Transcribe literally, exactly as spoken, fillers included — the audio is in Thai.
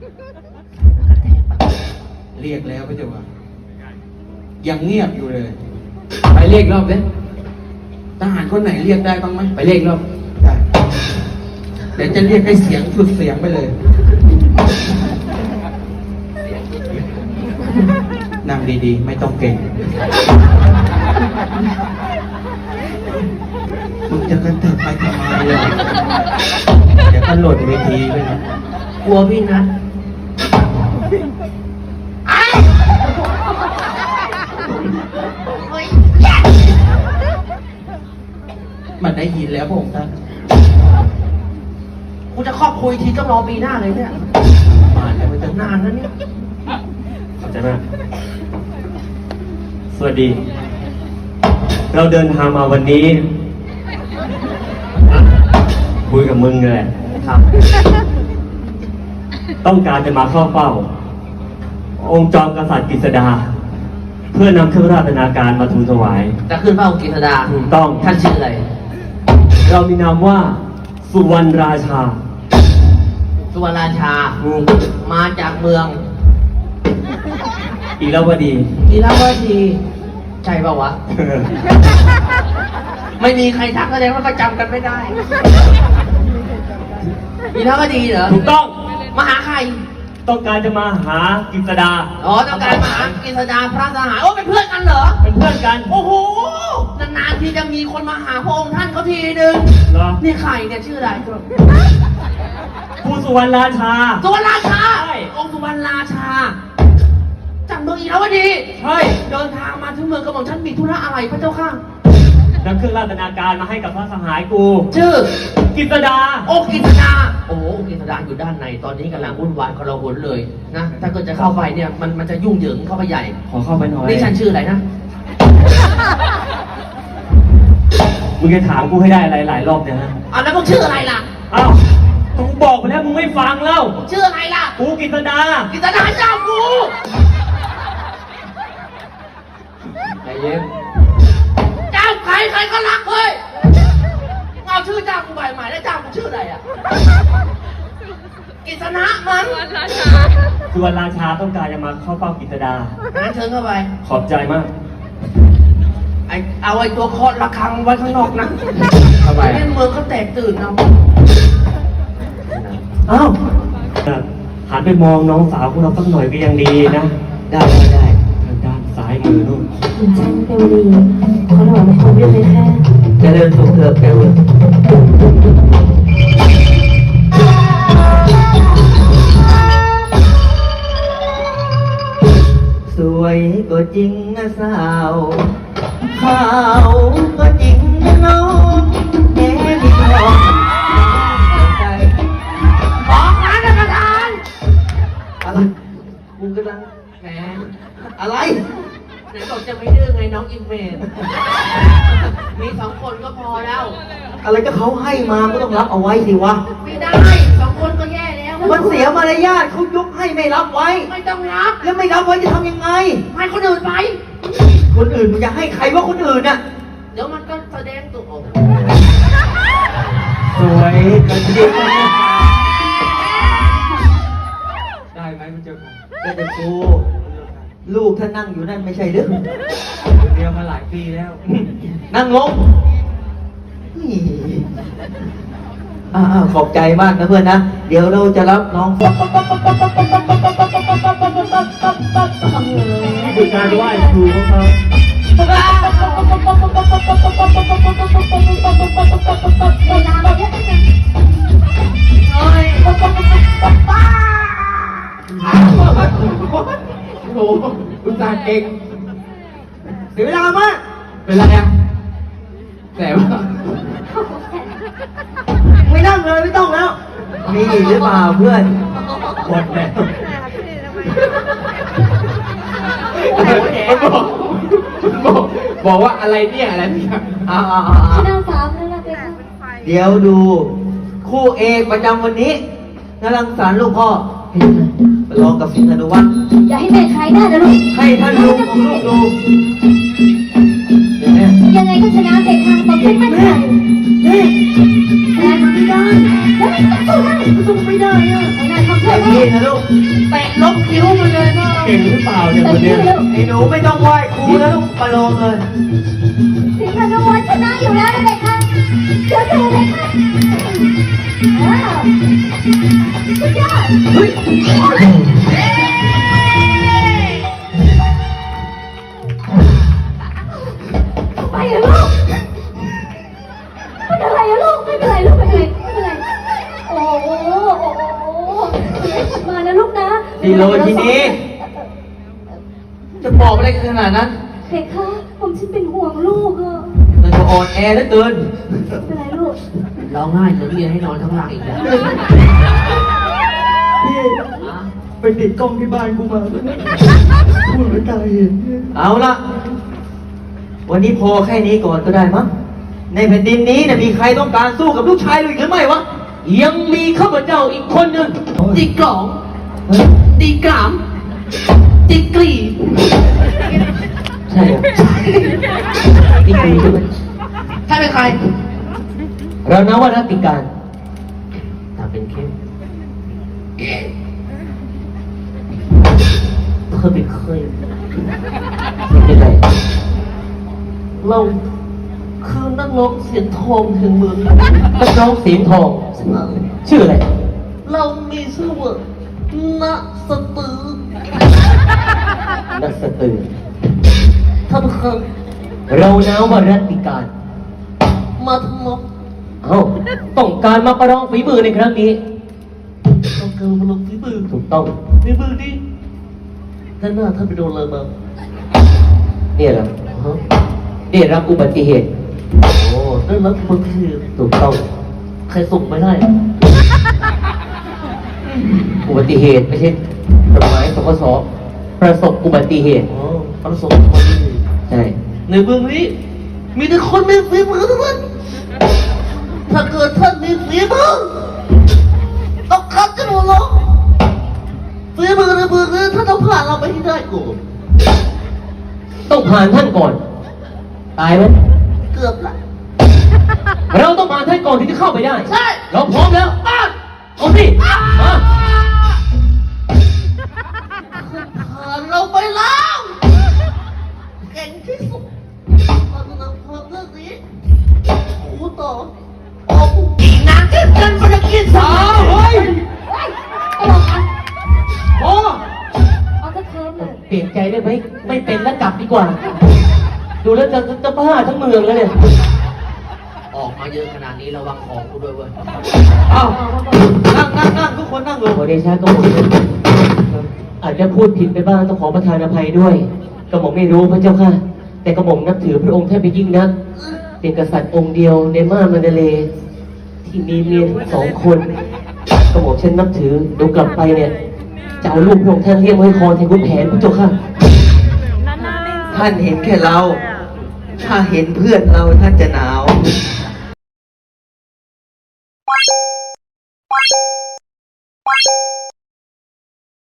เรียกแล้วพระเจ้าค่ะยังเงียบอยู่เลยไปเรียกรอบเลยทหารคนไหนเรียกได้บ้างไหมไปเรียกรอบได้เดี๋ยวจะเรียกให้เสียงสุดเสียงไปเลย นั่งดีๆ ไม่ต้องเก่งมึงจะกันเถิดไปทำไมเลยเดี๋ยวก็หล่นเวทีไปนะกลัวพี่นัทมันได้ยินแล้วพระองค์ท่านกูจะครอบคุยทีต้องรอปีหน้าเลยเนี่ยมาแล้วมันจะนานนะเนี่ยขอบใจมาก สวัสดี เราเดินทางมาวันนี้คุยกับมึงเลยครับ ต้องการจะมาเข้าเฝ้า องค์จอมกษัตริย์กฤษดา เพื่อนำเครื่องราชนาการมาทูลถวายจะขึ้นเฝ้ากิษดาถูกต้องท่านชื่ออะไรเรามีนามว่า สุวรรณราชาสุวรรณราชา มาจากเมืองอีราวดีอีลาวดีใช่ป่าวะ ไม่มีใครทักแสดงว่าก็จำกันไม่ได้อีลาวดีเหรอถูกต้องมาหาใครต้องการจะมาหากฤษดาอ๋อต้องการมาหากิษดาพระสหายโอ้เป็นเพื่อนกันเหรอเป็นเพื่อนกันโอ้โห นานๆที่จะมีคนมาหาพระองค์ท่านเขาทีนึงเหรอนี่ใครเนี่ยชื่ออะไรผู้สุวรรณราชาสุวรรณราชาใช่องค์สุวรรณราชาจากเมืองอีราวดีใช่เดินทางมาถึงเมืองกระหม่อมท่านมีธุระอะไรพระเจ้าข้านำเครื่องราชนาการมาให้กับพระสหายกูชื่อกฤษดาโอ้กิษดา โอ้กิษดาอยู่ด้านในตอนนี้กำลังวุ่นวายกระหนเลยนะ ถ้าเกิดจะเข้าไปเนี่ยมันมันจะยุ่งเหยิงเข้าไปใหญ่ขอเข้าไปหน่อยนี่ฉันชื่ออะไรนะมึงจะถามกูให้ได้อะไรหลายรอบเนี่ยฮะอ่ะแล้วมึงชื่ออะไรล่ะอ้าวกูบอกไปแล้วมึงไม่ฟังแล้วชื่ออะไรล่ะกูกฤษดากิษดาเจ้ากูใจเย็นเจ้าใครใครก็รักเฮ้ยเอาชื่อเจ้ากูใหม่ใหม่แล้วเจ้ากูชื่ออะไรอ่ะกิษณะมั้งสุวรรณราชาต้องการจะมาเข้าเฝ้ากฤษดางั้นเชิญเข้าไปขอบใจมากไอเอาไอ้ตัวเคาะระฆังไว้ข้างนอกนะเข้าไปเล่นเมืองก็แตกตื่นเอาอ้าวหันไปมองน้องสาวของเราสักหน่อยก็ยังดีนะได้ได้ได้ทางด้านซ้ายมือนู่นคุณจันเทวดีขอถวายบังคมด้วยไหมคะเจริญสุขเถิดแกเว้ยสวยก็จริงนะสาวขาวก็จริงนะน้องแม่พี่น้องใจบอกนะท่านประธานอะไรกูกำลังแหมอะไรไหนบอกจะไม่ดื้อไงน้องอิมเมจมีสองคนก็พอแล้วอะไรก็เขาให้มาก็ต้องรับเอาไว้สิวะไม่ได้สองคนก็แย่แล้วมันเสียมารยาทเขายกให้ไม่รับไว้ไม่ต้องรับแล้วไม่รับไว้จะทำยังไงให้คนอื่นไปคนอื่นมึงจะให้ใครว่าคนอื่นน่ะเดี๋ยวมันก็แสดงตัวออกสวยก็จริงนะได้ไหมพระเจ้าค่ะก็จะกูลูกถ้านั่งอยู่นั่นไม่ใช่เรื่องเรียนมาหลายปีแล้วนั่งลงอ่าขอบใจมากนะเพื่อนนะ เดี๋ยวเราจะรับน้องคือการไหว้ครูของเขาเฮ้ยโอ้โหอุตส่าห์เก่งเสียเวลามากเป็นไรอ่ะแต่ว่าไม่นั่งเลยไม่ต้องแล้ว มีหรือเปล่าเพื่อนหมดแล้วมันบอกมันบอกบอกว่าอะไรเนี่ยอะไรเนี่ยอ่าชนะสามแล้วนะเป็นเดี๋ยวดูคู่เอกประจำวันนี้นรังสรรค์ลูกพ่อประลองกับสิงห์ธนุวัฒน์อย่าให้แม่ใครได้นะลูกให้ท่านลุงของลูกดูเดี๋ยวแม่ยังไงก็ชนะเด็กทางตบเพชรมั่นใจแม่แรงไม่ได้แล้วสู้ได้สู้ไม่ได้อะไม่ได้ทำไอ้ได้พี่นะลูกเตะลบคิ้วมาเลยนะเก่งหรือเปล่าเนี่ยแต่คนที่เนี้ยแล้วไอ้หนูไม่ต้องไหว้ครูนะลูกประโลมเลยสิงห์นวัลชนะอยู่แล้วนะเด็กค่ะเดี๋ยวเจอเลยค่ะว้าวสุดยอดเฮ้ยไปเหรอลูกไม่เป็นไรอะลูกไม่เป็นไรลูกไม่เป็นไรไม่เป็นไรโอ้โหโอ้โหมานะลูกนะดีโลทีนี้จะบอกอะไรขนาดนั้นเด็กค่ะผมฉันเป็นห่วงลูกอะมันก็อ่อนแอเหลือเกินไม่เป็นไรลูกเราง่ายจะเรียนให้นอนข้างล่างอีกแล้วพี่ไปติดกล้องที่บ้านกูมาพูดไม่ตายเห็นเอาละวันนี้พอแค่นี้ก่อนก็ได้มั้งในแผ่นดินนี้เนี่ยมีใครต้องการสู้กับลูกชายเราอีกหรือไม่วะยังมีข้าพเจ้าอีกคนหนึ่งตีกล่องตีกรามตีกรีใช่ครับนี่คือใช่ไหมถ้าเป็นใครเรานับว่ารัตติการถ้าเป็นเข้มเธอเป็นเคยไม่เป็นไรเราคือนักร้องเสียงทองแห่งเมืองนักร้องเสียงทอง ชื่ออะไรเรามีชื่อว่าณสตือนักสตือท่านเคยเรานับว่ารัตติการมาทำไมเอ้าต้องการมาประลองฝีมือในครั้งนี้ต้องการมาลงฝีมือถูกต้องฝีมือดิท่านหน้าท่านไปโดนอะไรมาเนี่ยเหรอฮะได้รับอุบัติเหตุโอ้ได้รับอุบัติเหตุถูกต้องใครส่งไม่ได้อุบัติเหตุไม่ใช่กฎหมายสกสประสบอุบัติเหตุอ๋อประสบอุบัติเหตุใช่ในเมืองนี้ มีแต่คนมีฝีมือทั้งนั้นถ้าเกิดท่านมีฝีมือต้องคัดกันหมดหรอกฝีมือในเมืองนี้ท่านต้องผ่านเราไปให้ได้ก่อนต้องผ่านท่านก่อน ตายไหมเกือบละเราต้องผ่านท่านก่อนที่จะเข้าไปได้ใช่เราพร้อมแล้วอ่ะเอาสิมาผ่านเราไปแล้วเก่งที่สุดเราจะนำความเรื่องนี้ครูต่อโอ้อีนางที่เกินภารกิจสาอ้าว วเฮ้ยเฮ้ยไอ้หลอกอ่ะโอ้เอาตะเคิร์มเลยเปลี่ยนใจได้ไหมไม่เป็นแล้วกลับดีกว่า ดูแล้วจะจะบ้าทั้งเมืองแล้วเนี่ยออกมาเยอะขนาดนี้ระวังของกูด้วยเว้ยเอานั่งนั่งนั่งทุกคนนั่งลงขอเดชะก็หมดเลยอาจจะพูดผิดไปบ้างต้องขอประทานอภัยด้วยกระหม่อมไม่รู้พระเจ้าค่ะ แต่กระหม่อมนับถือพระองค์ท่านเป็นยิ่งนัก เป็นกษัตริย์องค์เดียวในม่านมันเดเลย์ที่มีเมียถึงสองคนกระหม่อมฉันนับถือเดี๋ยวกลับไปเนี่ยจะเอาลูกพระองค์ท่านเลี้ยงไว้คอแทนคุณแผนพระเจ้าค่ะท่านเห็นแค่เรา ถ้าเห็นเพื่อนเราท่านจะหนาว